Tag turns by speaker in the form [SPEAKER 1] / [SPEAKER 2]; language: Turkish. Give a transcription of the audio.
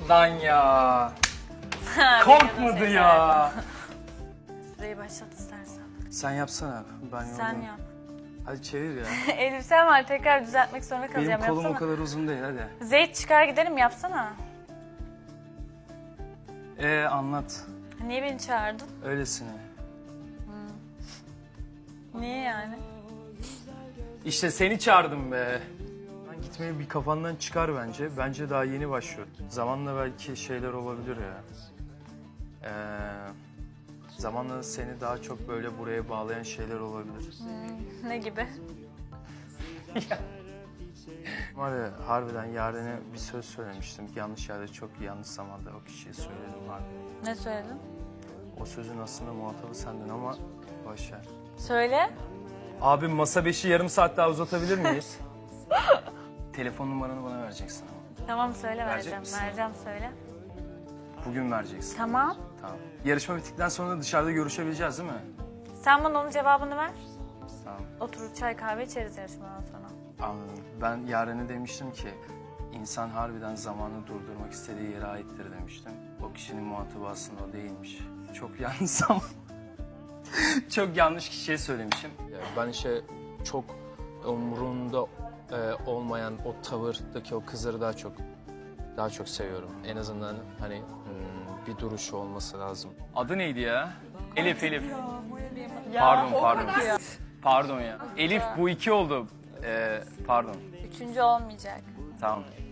[SPEAKER 1] Lan ya. Korkmadı ya.
[SPEAKER 2] Süreyi başlat istersen.
[SPEAKER 1] Sen yapsana. Ben
[SPEAKER 2] Sen
[SPEAKER 1] yoldayım.
[SPEAKER 2] yap.
[SPEAKER 1] Hadi çevir ya.
[SPEAKER 2] Elbisem var, tekrar düzeltmek zorunda
[SPEAKER 1] Benim
[SPEAKER 2] kalacağım.
[SPEAKER 1] kolum
[SPEAKER 2] Yapsana.
[SPEAKER 1] o kadar uzun değil, hadi.
[SPEAKER 2] Zeyt çıkar gidelim, yapsana.
[SPEAKER 1] Anlat.
[SPEAKER 2] Niye beni çağırdın?
[SPEAKER 1] Öylesine.
[SPEAKER 2] Niye yani?
[SPEAKER 1] İşte seni çağırdım be. Ben gitmeyi bir kafandan çıkar bence. Bence daha yeni başlıyor. Zamanla belki şeyler olabilir ya. Zamanla seni daha çok böyle buraya bağlayan şeyler olabilir.
[SPEAKER 2] Ne gibi?
[SPEAKER 1] Var ya, harbiden Yaren'e bir söz söylemiştim. Yanlış yerde, çok yanlış zamanda o kişiye söyledim var.
[SPEAKER 2] Ne söyledin?
[SPEAKER 1] O sözün aslında muhatabı sendin ama boş ver.
[SPEAKER 2] Söyle.
[SPEAKER 1] Abim, masa 5'i yarım saat daha uzatabilir miyiz? Telefon numaranı bana vereceksin ama.
[SPEAKER 2] Tamam söyle,
[SPEAKER 1] Verecek
[SPEAKER 2] vereceğim.
[SPEAKER 1] misin?
[SPEAKER 2] Vereceğim, söyle.
[SPEAKER 1] Bugün vereceksin.
[SPEAKER 2] Tamam.
[SPEAKER 1] Tamam. Yarışma bittikten sonra dışarıda görüşebileceğiz değil mi?
[SPEAKER 2] Sen bana onun cevabını ver.
[SPEAKER 1] Tamam.
[SPEAKER 2] Oturur çay kahve içeriz yarışmadan sonra.
[SPEAKER 1] Anladım. Ben Yaren'e demiştim ki insan harbiden zamanı durdurmak istediği yere aittir demiştim. O kişinin muhatabı aslında o değilmiş. Çok yanlış zaman. Çok yanlış kişiye söylemişim. Ben işte çok umurunda olmayan o tavırdaki o kızları daha çok seviyorum. En azından hani bir duruşu olması lazım. Adı neydi ya? Elif. Pardon. Pardon ya. Elif, bu 2 oldu. Pardon.
[SPEAKER 2] Üçüncü olmayacak.
[SPEAKER 1] Tamam.